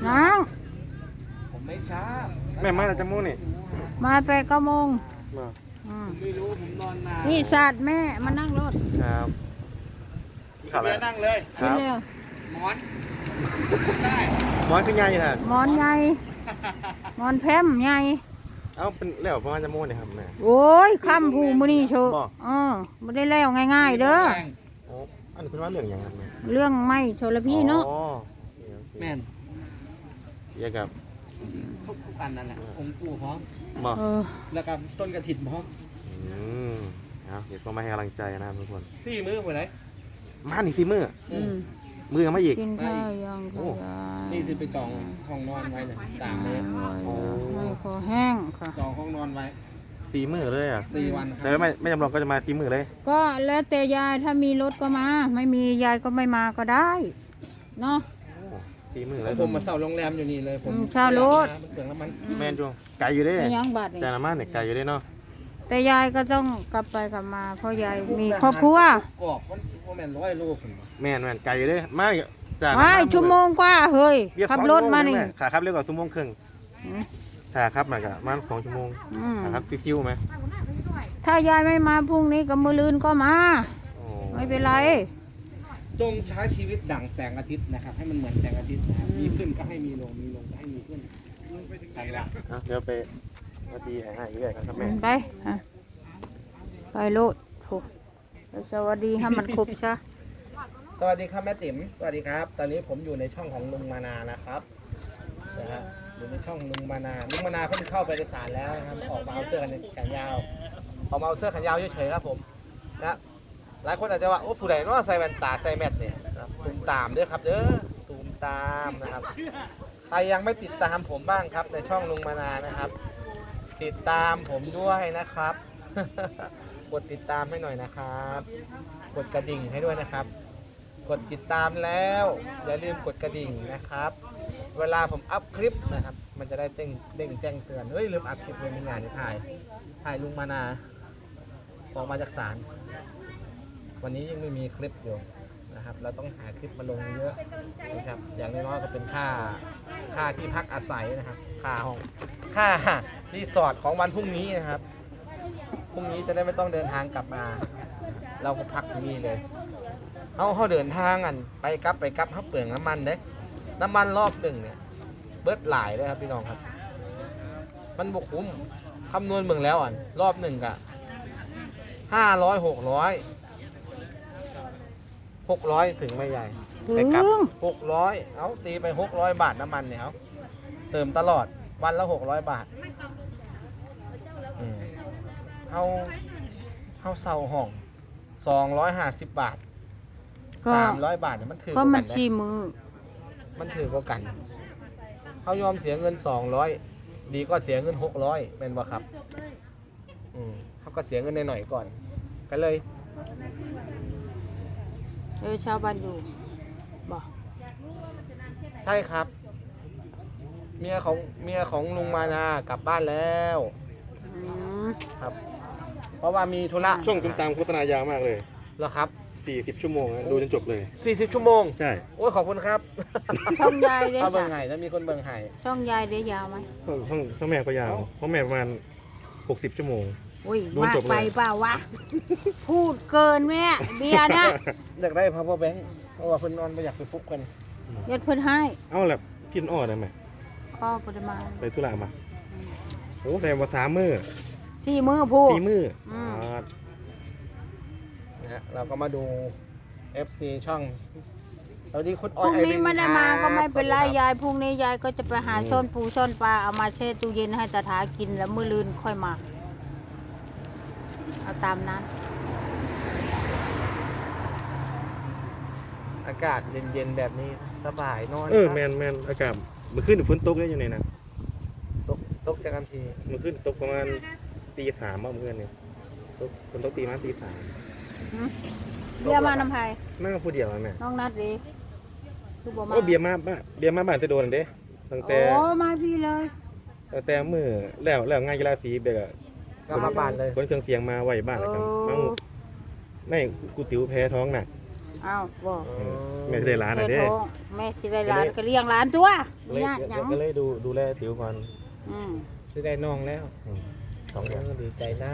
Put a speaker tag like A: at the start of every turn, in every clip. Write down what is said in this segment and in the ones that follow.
A: นั่ง
B: ผมไม่ช้า
C: แม่มาแล้วจะมู่นี่
A: มา8-9 โมง
C: มา
B: ไม่รู้ผมนอนนาน
A: นี่ศาสตร์แม่มานั่งรถ
C: ครับข่าวอะไร
B: เบียร์นั่งเลย
C: ค
A: กิน
C: รับ
A: เร็ว
B: หมอนได้
C: หมอนขึ้นใหญ่ฮะ
A: หมอนใหญ่หมอนแพมใหญ่
C: เอ้าเป็นแล้วประมาณจะมู่นี่ครับแม่
A: โอ้ยคำผูมื้อนี้โชว์
C: บ่
A: บ่ได้แล้วง่ายๆเด้อ
C: โอ้อันนี้เป็นว่าเรื่องอย่างไรแม่
A: เรื่องไม่โชลพี่เนาะ
C: อ๋อ
B: แม่น
C: เกี่ยวกับ
B: ทุกอันนั่นแหละองค์ปู่พร้อม
C: บ่
B: แล้วก็ต้นกระถิ่นพร้อม
C: อืมเอาเดี๋ยวก็มาให้กำลังใจนะครับทุกคน
B: สี่มื้อไปไหน
C: มาหนิสิมือ
A: อืม
C: มือยังไม่อีก
A: กินข้าวยังข
C: โอ้
A: ยาย
B: นี่สิไปจองห้องนอนไว้เนี่ย3 เมตร
A: ให้คอแห้งค่ะ
B: จองห้องนอนไว้
C: สีมือเลยอ่ะ
B: 4 วันค
C: แต่
B: รับ
C: ว่าไม่จำลองก็จะมาสีมือเลย
A: ก็แล้วแต่ยายถ้ามีรถก็มา ไม่มียายก็ไม่มาก็ได้เนาะ
C: โอ้สีมือเล
B: แล้
C: ยว
B: ผมมาเช่าโรงแรมอยู่นี่เลยผม
A: เช่ารถ
B: เปลืองน้ำมัน
C: แม่นจุงไก่อยู่เด้
A: ไม่ยังบัตรนี่
C: แต่น้ำมันเนี่ยไก่อยู่เด้เนาะ
A: แต่ยายก็ต้องกลับไปกลับมา เพราะยายมีครอบครัว
B: กรอบมันแม่น100 โลผม
C: แม่นไก่อยู่เด้มาจาก
A: ไม่ชั่วโมงกว่าเฮ้ย
C: เรียก
A: ขับ
C: สอง
A: รถมานี่
C: ชั่วโงขาครับเรียกว่าชั่วโมงครึ่ง
A: อืม
C: ขาครับมันก็ประมาณ2 ชั่วโมง
A: อืม
C: ขาครับฟิวๆไหม
A: ถ้ายายไม่มาพรุ่งนี้กับมือลืนก็มา
C: โอ้
A: ไม่เป็นไร
B: จงใช้ชีวิตดั่งแสงอาทิตย์นะครับ ให้มันเหมือนแสงอาทิตย์นะครับมีขึ้นก็ให้มีลงมีลงก็ให้มีขึ้นไปละ
C: อ่ะเดี๋ยวไปมาตีให้เรื่อยครับแม่
A: ไปอ่ะไปโลดโถสวัสดีให้มันครบซะ
B: สวัสดีครับแม่ติ๋มสวัสดีครับ ตอนนี้ผมอยู่ในช่องของลุงมานานะครับนะฮะอยู่ในช่องลุงมานาลุงมานาเพิ่งเข้าไปในศาลแล้วนะครับออกมาเอาเสื้อแขนยาวออกมาเอาเสื้อแขนยาวเฉยๆครับผมนะหลายคนอาจจะว่าโอ้ผู้ใดเนาะใส่แว่นตาใส่แมสเนี่ยนะครับตูมตามเด้อครับเด้อตูมตามนะครับใครยังไม่ติดตามผมบ้างครับในช่องลุงมานานะครับ ติดตามผมด้วยนะครับ กดติดตามให้หน่อยนะครับ กดกระดิ่งให้ด้วยนะครับ กดติดตามแล้วอย่าลืมกดกระดิ่งนะครับ เวลาผมอัพคลิปนะครับ มันจะได้เด้งแจ้งเตือนเฮ้ยลืมอัพคลิปเลยมีงานที่ถ่ายลุงมานาออกมาจากศาลวันนี้ยังไม่มีคลิปอยู่นะครับ เราต้องหาคลิปมาลงเยอะนะครับอย่างน้อยๆก็เป็นค่าที่พักอาศัยนะครับค่าห้องค่ารีสอร์ทของวันพรุ่งนี้นะครับพรุ่งนี้จะได้ไม่ต้องเดินทางกลับมา เราก็พักที่นี่เลยเขาเดินทางกันไปกลับเขาเปลืองน้ำมันเด้น้ำมันรอบหนึ่งเนี่ยเบิดหลายเลยครับพี่น้องครับ มันบกคุ้มคำนวณเมืองแล้วอ่ะรอบหนึ่งกะ500 600ถึงไม่ใหญ่
A: ถึ
B: ไป
A: ง
B: กลับ600เอาตีไป600 บาทน้ำมันเนี่ยเอาเติมตลอดวันละ600 บาทเขาเซาห้อง250 บาท
A: ก็
B: 300 บาทเนี่ยมันถือ
A: ก็
B: ว่า
A: มั
B: กัน น
A: ชี้มือ
B: มันถือกว่ากันเขายอมเสียเงิน200ดีก็เสียเงิน600เป็นบ่ครับเขาก็เสียเงินหน่อยๆก่อนก็เลย
A: ชาวบ้านอยู่บอก
B: ใช่ครับ เมียของลุงมานากลับบ้านแล้ว
A: อืม
B: ครับ เพราะว่ามีธุระ
C: ช่วงตุ้มตามโฆษณายาวมากเลย
B: เหรอครับ
C: 40 ชั่วโมงนะดูจนจบเลย
B: 40 ชั่วโมง
C: ใช่
B: โอ้ยขอบคุณครับ
A: ช่องยายเด้
B: ถ้าเบิ่ง
A: ค่ะ
B: ไห้ถ้ามีคนเบิ่งไห้
A: ช่องยายเด้ยาวไหม
C: ห้องแม่ก็ยาวห้องแม่ประมาณ60 ชั่วโมง
A: อุ้ย
C: ดู
A: มาก
C: จบเลย
A: ไปเปล่าวะ พูดเกินแม่เบียร์นะ
B: อยากได้ power bank เพราะว่าเพิ่นนอนไม่อยากไปฟุบกัน
A: ยัดเพิ่นให้
C: เอาแหละกินอ้อได้ไหม
A: พ่อปริมาณ
C: ไปธุระมาโอ้แต่ว่า3 มื้อ
A: 4 มื้อพูด
C: 4 มื้อ
A: อืม
B: นะฮะเราก็มาดู FC ช่องสวัสดีคุณ
A: พ
B: ออย
A: รุ่ง
B: ไอ
A: นี้
B: ริน
A: ไม่ได้มา
B: ครับ
A: ก็ไม่เป็นไร
B: สวัสดีครับ
A: ยายพรุ่งนี้ยายก็จะไปหาซ่อนปูซ่อนปลาเอามาแช่ตู้เย็นให้ตาถากินแล้วมื้อลืนค่อยมาเอาตามนั้น
B: อากาศเย็นๆแบบนี้สบายนอน
C: แมนอากาศเมื่อคืนฝนตกได้อยู่ในนั้น
B: ตกจากกันที
C: เมื่อคืนตกประมาณตี 3เมื่อคืนเนี่ยฝนตกตีมาตี
A: เบียร์มานำไผ่
C: 3นั่งผู้เดียวอะแม่
A: น้องนัดดีคือบ่มา
C: โอ้เบียร์มาบ้านจะโดนเด้ตั้งแต่
A: โอ้มาพี่เลย
C: มือแล้วงานกีฬาสีเบกอะ
B: ก็มาบ้านเลย
C: คนเครื่องเสียงมาไหวบ้านนะครับมาหมู่ไม่กูติ๋วแพ้ท้องหนัก
A: ออ้าวบอก
C: แม่สิได้ร้านน่ะ
A: แม่
C: เด้
A: ท้องแม่สิได้หลานก็เลี้ยงหลานตัว
C: ก็เลย
A: ยากหยัง
C: ก็เลยดูแลติ๋วก่อน
A: อืม
B: จะได้น้องแล้ว
C: สองเดือน
B: ดีใจน้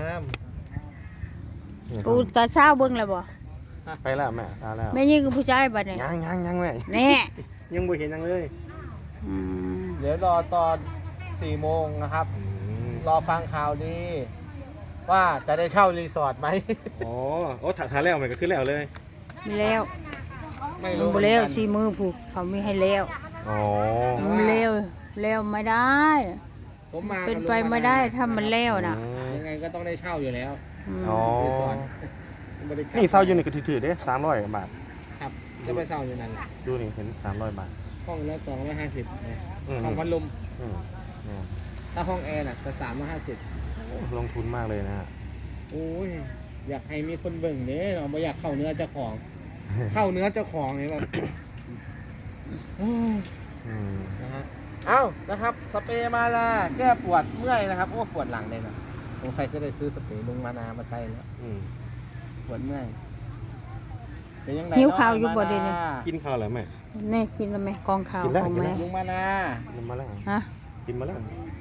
A: กูตาเช้าเบิ่งแล้วบ่
C: ไปแล้วแม่ตาแล้ว
A: แม่ยิ่งกับผู้ชายบัดนี้
C: ยังแม่
A: แน่
C: ยังบ่เห็นยังเลย
A: อืม
B: ำเดี๋ยวรอตอน4 โมงนะครับ รอฟังข่าวดีว่าจะได้เช่ารีสอร์ทไหม
C: อ๋อโอ้ถ่ายแล้วมันก็ขึ้นแล้วเลย
A: มีแล้ว
B: ไม่
A: มัน
B: รู้
A: บ่แล้วสี่มือผูกเขามีให้แล้ว
C: อ๋อ
A: มันแล้วแล้วไม่ได้
B: ผมมา
A: เป็นไปไม่ได้ถ้ามันแล้วน่ะ
B: ยังไงก็ต้องได้เช่าอยู่แล้ว
A: ม
C: อ๋อ
B: รีสอร์ทบริกร
C: นี่เศร้าอยู่นี่ก็ถือๆเด้300 บาท
B: ครับจะไปเช่าอยู่นั่นแหละ
C: ดูนี่เห็น300 บาท
B: ห้องละ250นะ
C: อืม
B: ห้องพัดลม
C: อืมเนี่ย
B: ถ้าห้องแอร์น่ะจะ350
C: ลงทุนมากเลยนะฮะ
B: โอ้ยอยากให้มีคนเบิ่งเด้เราไม่อยากเข้าเนื้อเจ้าของ เข้าเนื้อเจ้าของไงแบบ
C: อืม
B: นะฮะเอ้านะครับสเปรย์มาลาแก้ปวดเมื่อยนะครับโอ้ปวดหลังเลยนะสงสัยจะได้ซื้อสเปรย์ลุงมานามาใส่แล้ว
C: อืม
B: ปวดเมื่อยเป็นยังไง
A: หิวข้าวอยู่บ่เดี๋ยวนี้
C: กินข้าวแล้วแม่
A: นี่กินแล้วไหมกองข้าว
C: กินแล้ว
A: ของแม่
B: ลุงมานา
C: กินมาแล้ว
A: ฮะ
C: กินมาแล้ว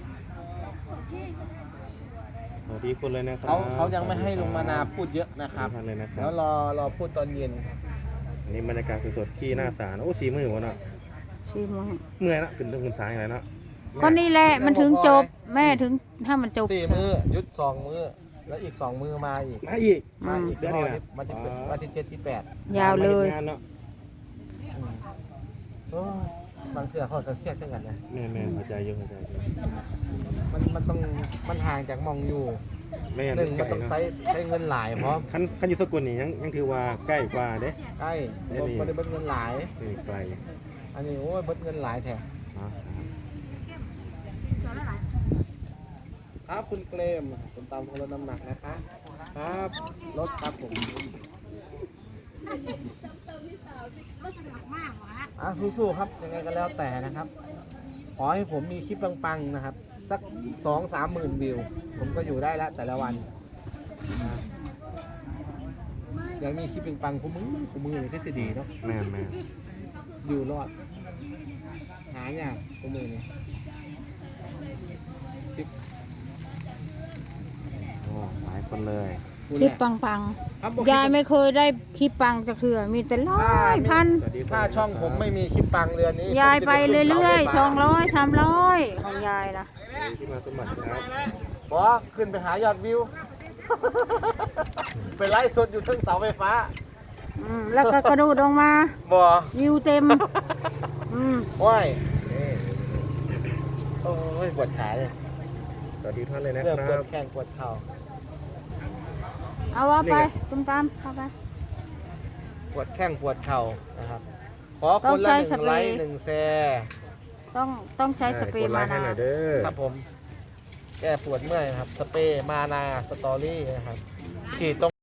C: สวัสดีคนเลยนะครับ
B: เขายังไม่ให้ลุงมานาพูดเยอะนะครับ
C: ทุกท่านเลยนะครั
B: แล้
C: บ
B: วรอพูดตอนเย็น
C: อันนี้บรรยากาศสดๆที่หน้าศาลโอ้4 มื้อวะเนาะ
A: สี่โมง
C: เมื่อยละขึ้นต้องขึ้นศาลอะไรเนาะ
A: ก็นี่แหละมันถึงจบแม่ถึงถ้ามันจบ
B: 4 มื้อยุด2 มื้อแล้วอีก2 มื้อมาอีก
C: มาอีก
B: มาอีก
C: เดือนนี้นะ
B: วันที่7ที่8
A: ยาวเลย
C: งานเนาะ
B: โอ้ยบางเสือเขาจะเครียดขึ้นกันนะ
C: แม่เข้าใจเยอะเข้าใจเยอะ
B: มันต้องมันห่างจากมองอยู่
C: แม่
B: หนึ่งมันต้อง
C: เนาะ
B: ใช้เงินหลายเพราะ
C: คันอยู่สกลนี่ยังถือว่าใกล้กว่าเด้
B: ใกล้
C: ได้นี่
B: บ่ได้เบิดเงินหลาย
C: นี่ไกล
B: อันนี้โอ้ยเบิดเงินหลายแท้
C: เนาะ
B: ครับคุณเกรมคุณตามคนลดน้ำหนักนะคะครับลดครับผมสู้ๆครับยังไงก็แล้วแต่นะครับ ขอให้ผมมีคลิปปังๆนะครับ สัก2-3 หมื่นวิว ผมก็อยู่ได้แล้วแต่ละวันนะอยากมีคลิปปังๆคู่มือเลยก็สิดีเนาะ
C: แม่
B: อยู่รอด หาอย่างคู่มือนี่คลิป
C: โอ้หลายคนเลย
B: พูด
A: คลิป
B: แหละ
A: ปัง
B: ครับบอก
A: ๆยายไม่เคยได้คลิปปังจากเถื่อมีแต่ร้อยพัน
B: ถ้าช่องผมไม่มีคลิปปังเรือนนี้
A: ยายไปเรื่อยๆ
B: ๆ
A: 200 300ของยายนะ
C: ที่มาสมบัติครับ
B: บอขึ้นไปหายอดวิว ไปไล่สดอยู่ทึ่งเสาไฟฟ้า
A: แล้วก็กระโดดลงมา
B: บอ
A: วิวเต็ม
B: ว้ายโอ้ยปวดขาเลย
C: สวัสดีท่านเลยนะ
B: เริ่ม
C: ค
B: ปว
C: รั
B: ด
C: บ
B: แข้งปวดเข่า
A: เอาว่าไปตุ้มตามเข้าไป
B: ปวดแข้งปวดเข่านะครับ ขอ
A: ต้
B: ค
A: อง
B: นละ
A: ใช้
B: 1
A: สเปรย์
B: ไลค์1 แชร์
A: ต้องใช้สเปรย์
C: กดไล
A: มา
C: ค์ให้
A: นา
C: หน่อยเด้อ
B: ครับผม แก้ปวดเมื่อยครับ สเปรย์มานาสตอรี่นะครับ ฉีดตรง